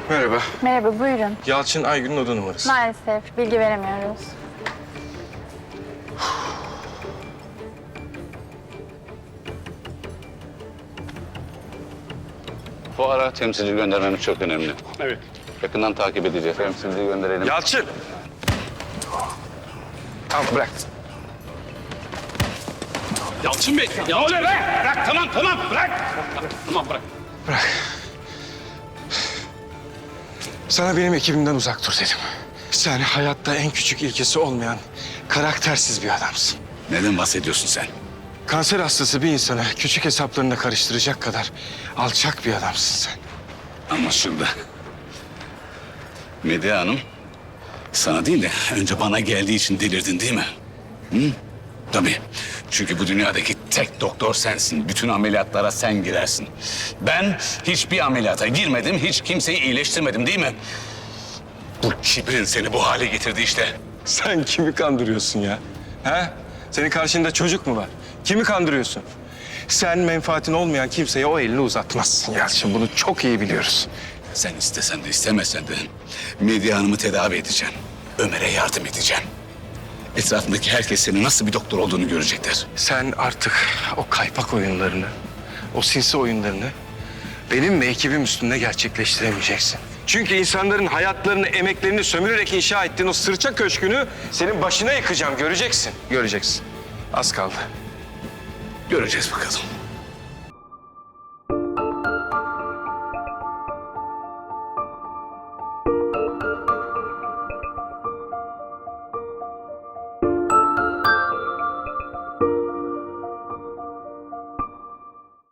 Merhaba. Merhaba, buyurun. Yalçın Aygün'ün oda numarası. Maalesef bilgi veremiyoruz. Bu ara temsilci göndermemiz çok önemli. Evet. Yakından takip edeceğiz. Temsilci gönderelim. Yalçın! Tamam bırak. Yalçın Bey, ne oluyor be? Bırak, tamam, bırak. Tamam, bırak. Sana benim ekibimden uzak dur dedim. Sen hayatta en küçük ilkesi olmayan karaktersiz bir adamsın. Neden bahsediyorsun sen? Kanser hastası bir insanı küçük hesaplarında karıştıracak kadar alçak bir adamsın sen. Anlaşıldı. Medya Hanım, sana değil de önce bana geldiği için delirdin değil mi? Hı? Tabii. Çünkü bu dünyadaki tek doktor sensin. Bütün ameliyatlara sen girersin. Ben hiçbir ameliyata girmedim, hiç kimseyi iyileştirmedim değil mi? Bu kibrin seni bu hale getirdi işte. Sen kimi kandırıyorsun ya? He? Senin karşında çocuk mu var? Kimi kandırıyorsun? Sen menfaatin olmayan kimseye o elini uzatmazsın Yalçın. Bunu çok iyi biliyoruz. Sen istesen de istemesen de Medya Hanım'ı tedavi edeceğim. Ömer'e yardım edeceğim. Etrafındaki herkes senin nasıl bir doktor olduğunu görecekler. Sen artık o kaypak oyunlarını, o sinsi oyunlarını benim ve ekibim üstünde gerçekleştiremeyeceksin. Çünkü insanların hayatlarını, emeklerini sömürerek inşa ettiğin o sırça köşkünü senin başına yıkacağım. Göreceksin, göreceksin. Az kaldı. Göreceğiz bakalım.